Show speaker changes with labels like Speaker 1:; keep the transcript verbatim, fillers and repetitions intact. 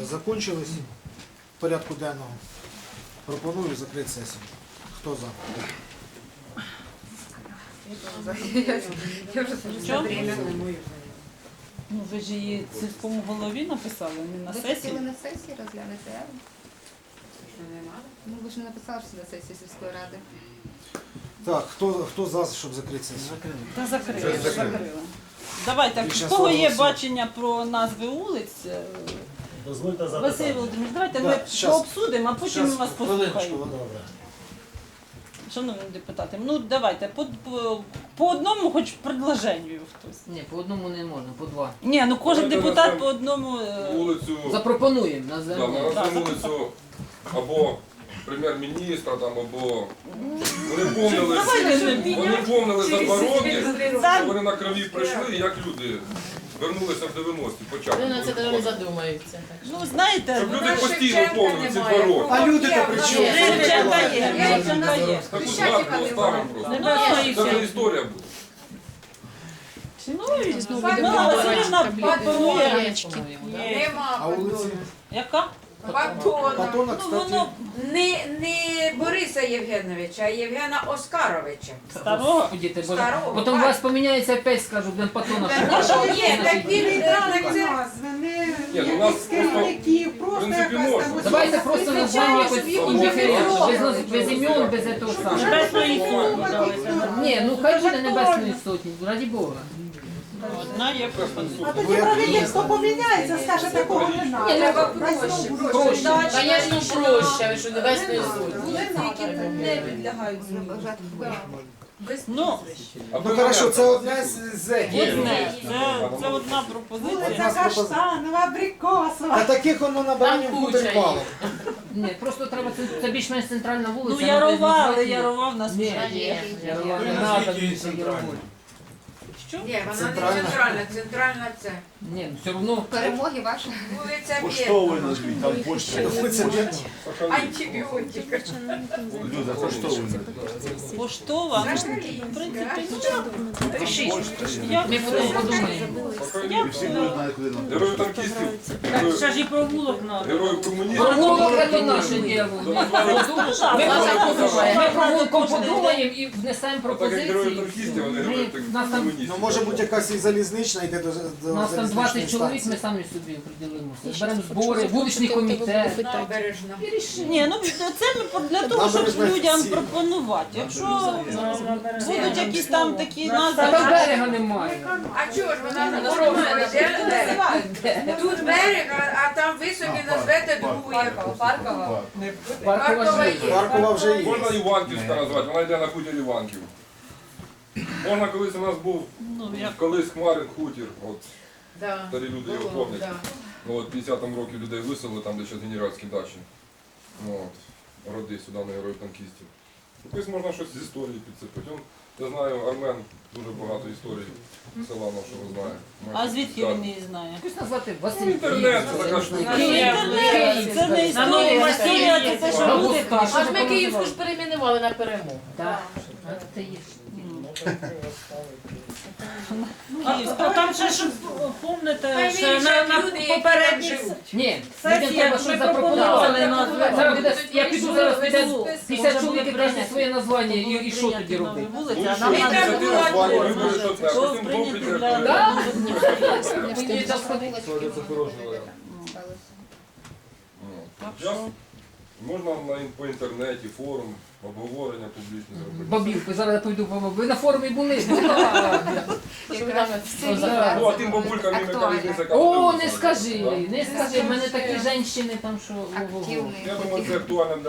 Speaker 1: закончились в порядку денного. Пропоную закрити сесію. Хто за?
Speaker 2: Я вже за время.
Speaker 3: Ну, ви ж її сільському голові написали, не на
Speaker 2: Ви
Speaker 3: сесії.
Speaker 2: хотіли на сесії розглянути, а? Ну, ви ж не написали, що на сесії сільської ради.
Speaker 1: Так, хто, хто за, щоб закрити сесію?
Speaker 3: Та закрили,
Speaker 1: Вже закрили.
Speaker 3: закрили. Давайте,
Speaker 1: Більше
Speaker 3: в кого є
Speaker 1: слова
Speaker 3: бачення про назви вулиць, е,
Speaker 4: Дозвольте
Speaker 3: Василь
Speaker 4: запитати.
Speaker 3: Володимирович, давайте
Speaker 1: Да,
Speaker 3: ми
Speaker 1: щас.
Speaker 3: пообсудимо, а потім ми
Speaker 1: Щас,
Speaker 3: вас
Speaker 1: хвилиночку.
Speaker 3: послухаємо.
Speaker 4: Добре.
Speaker 3: Шановні депутати, ну давайте, по, по, по одному хоч предложенню хтось.
Speaker 5: Ні, по одному не можна, по два.
Speaker 3: Ні, ну кожен
Speaker 6: Давайте
Speaker 3: депутат
Speaker 6: назвемо
Speaker 3: по одному. е,
Speaker 6: Вулицю,
Speaker 5: Запропонуємо на
Speaker 6: да,
Speaker 5: землю.
Speaker 6: на
Speaker 3: Да,
Speaker 6: назву вулицю або прем'єр-міністра, там, або вони помнили,
Speaker 3: Давайте ми
Speaker 6: вони помнили за два роки,
Speaker 3: Так.
Speaker 6: що вони на крові прийшли, і як люди вернулися в дев'яності, почали.
Speaker 5: Вони на це навіть не задумаються.
Speaker 3: Ну, знаєте,
Speaker 6: Щоб
Speaker 3: ну,
Speaker 6: люди постійно помнили ці два роки.
Speaker 1: А люди то при чому?
Speaker 3: Шевченка є, Шевченка є.
Speaker 6: Таку згадку оставимо просто.
Speaker 3: Небесної
Speaker 6: Це вже
Speaker 3: сили.
Speaker 6: історія буде.
Speaker 3: Ну, Мила Васильівна пропонує.
Speaker 7: Нема
Speaker 1: А вулиці?
Speaker 3: Яка?
Speaker 7: Батона.
Speaker 1: Батона,
Speaker 3: Ну,
Speaker 1: кстати,
Speaker 3: воно
Speaker 7: Не, не Бориса Євгеновича, а Євгена Оскаровича.
Speaker 3: старого.
Speaker 5: Діти, бо
Speaker 7: Старого,
Speaker 5: потім у
Speaker 7: бачите.
Speaker 5: вас поміняється опять, скажу, блин, патона.
Speaker 7: Ні, так він е, так це...
Speaker 6: Ні, ну у нас просто, в принципі, можна.
Speaker 5: Давайте просто назвемо якось індиферентно, без, наз- без імен, без этого самого.
Speaker 3: Небесної сотні давайте.
Speaker 5: Ні, ну хай буде Небесної сотні, раді Бога.
Speaker 3: Одна є пропозиція.
Speaker 8: А тоді правительство поміняється, скаже, такого не
Speaker 5: Ні,
Speaker 8: треба.
Speaker 5: треба
Speaker 7: проще,
Speaker 5: проще. Звісно, проще, ви що Небесної сотні.
Speaker 7: не підлягають зміни.
Speaker 3: Ну,
Speaker 1: ну хорошо, це одне з зеків.
Speaker 3: одне. Це, це одна пропозиція.
Speaker 8: Вулиця Каштанова, Абрикосова.
Speaker 1: А таких воно на баранів
Speaker 5: Там
Speaker 1: буде
Speaker 5: куча
Speaker 1: мало.
Speaker 5: Ні, просто треба, це, це більш-менш центральна вулиця.
Speaker 3: Ну,
Speaker 5: вона
Speaker 3: Ярова,
Speaker 5: без
Speaker 3: але
Speaker 5: названня.
Speaker 3: Ярова в нас
Speaker 5: Ні,
Speaker 3: вже є.
Speaker 5: Ярова не треба більше Ярової.
Speaker 3: Що?
Speaker 7: Ні, вона
Speaker 1: Центральна.
Speaker 7: не центральна, центральна це.
Speaker 5: Ні, ну все одно.
Speaker 2: Перемоги ваші.
Speaker 7: Вулиця
Speaker 4: Поштовий
Speaker 7: Бєдна.
Speaker 4: назвіть, там почта.
Speaker 1: Вулиця Бєдна.
Speaker 7: Антибіотика.
Speaker 4: Люда, поштовий назвіть.
Speaker 3: Поштова. В принципі, ну, як
Speaker 5: Ми потім
Speaker 3: це?
Speaker 5: подумаємо.
Speaker 4: І всі люди знають, куди нам.
Speaker 6: Герої танкістів,
Speaker 3: Ще ж і провулок надо.
Speaker 6: герої комуністів.
Speaker 5: Провулок це наше діло. Ми
Speaker 3: Ми
Speaker 5: провулком подумаємо і внесемо
Speaker 6: Так як герої
Speaker 5: пропозиції.
Speaker 6: танкістів, вони герої
Speaker 5: Ми- Нас там,
Speaker 6: комуністів.
Speaker 1: Ну може бути якась і залізнична, йде до, до
Speaker 5: нас там
Speaker 1: залізничної
Speaker 5: двадцять чоловік,
Speaker 1: станції.
Speaker 5: ми самі собі определимося. Беремо збори, вуличний комітет.
Speaker 7: Набережна.
Speaker 3: Ні, ну це ми по- для того, щоб людям пропонувати. Якщо будуть якісь там такі
Speaker 5: Та там
Speaker 3: назви.
Speaker 5: берега немає.
Speaker 7: А чого ж вона на дорогу йде берег? Тут берег, а- а там ви собі назвете другу яку. Паркова.
Speaker 5: Паркова
Speaker 7: Паркова
Speaker 5: життя.
Speaker 7: є.
Speaker 1: Паркова вже є.
Speaker 6: Можна Іванківська назвати, вона йде на хутір Іванків. Можна, колись у нас був,
Speaker 3: Ну, як
Speaker 6: колись Хмарин хутір, от
Speaker 7: Да.
Speaker 6: старі люди його
Speaker 7: Було,
Speaker 6: помнять.
Speaker 7: да.
Speaker 6: Ну, от п'ятдесят років людей виселили, там де ще генеральські дачі. Ну, от, роди сюди на героїв танкістів. Якось можна щось з історії підсипати. Он, я знаю, Армен дуже багато історій села нашого знає.
Speaker 3: а звідки він її знає?
Speaker 5: Якось назвати Василь
Speaker 6: Ну, інтернет, це така штука.
Speaker 5: Київ.
Speaker 3: Це не історія, історія це те, що люди кажуть.
Speaker 5: Аж ми Київську ж перейменували на перемогу. Так. Це є.
Speaker 3: Київська. Там ще ж помните,
Speaker 7: Хай
Speaker 3: ще
Speaker 7: вирішать
Speaker 3: на, на
Speaker 7: люди, які там
Speaker 3: попередніх
Speaker 7: живуть.
Speaker 5: Ні, людям
Speaker 3: сесіях
Speaker 5: треба
Speaker 3: ми
Speaker 5: щось
Speaker 3: пропонували
Speaker 5: запропонувати.
Speaker 3: назву.
Speaker 5: Зараз буде, я піду зараз піде п'ятдесят
Speaker 3: Може,
Speaker 5: чоловік і
Speaker 3: буде
Speaker 5: каже
Speaker 3: прийняти-
Speaker 5: своє названня і, і що
Speaker 3: прийняти
Speaker 5: тоді
Speaker 3: нові
Speaker 5: робити?
Speaker 3: вулиці,
Speaker 6: Ну,
Speaker 3: а
Speaker 6: що,
Speaker 3: нам
Speaker 7: треба
Speaker 3: треба
Speaker 7: було
Speaker 6: ініціатива,
Speaker 7: було
Speaker 6: вибори, що це, а
Speaker 3: Що
Speaker 6: потім
Speaker 3: прийняти
Speaker 6: Бог
Speaker 3: для
Speaker 6: піде.
Speaker 5: Да?
Speaker 2: Мені там сходилочки.
Speaker 6: Це хороший
Speaker 3: Так
Speaker 6: Я-
Speaker 3: що?
Speaker 6: Можна на, ін- по інтернеті, форум, обговорення публічні зробити.
Speaker 5: Бабівку, зараз я пойду по ви на форумі були.
Speaker 6: Ну, а тим бабулькам їм яка різниця, яка
Speaker 5: О,
Speaker 6: буде
Speaker 5: не
Speaker 6: висадка,
Speaker 5: скажи,
Speaker 6: да?
Speaker 5: не скажи, в мене такі жінки там, що ого-го.
Speaker 2: Активний.
Speaker 6: Я думаю, це актуально для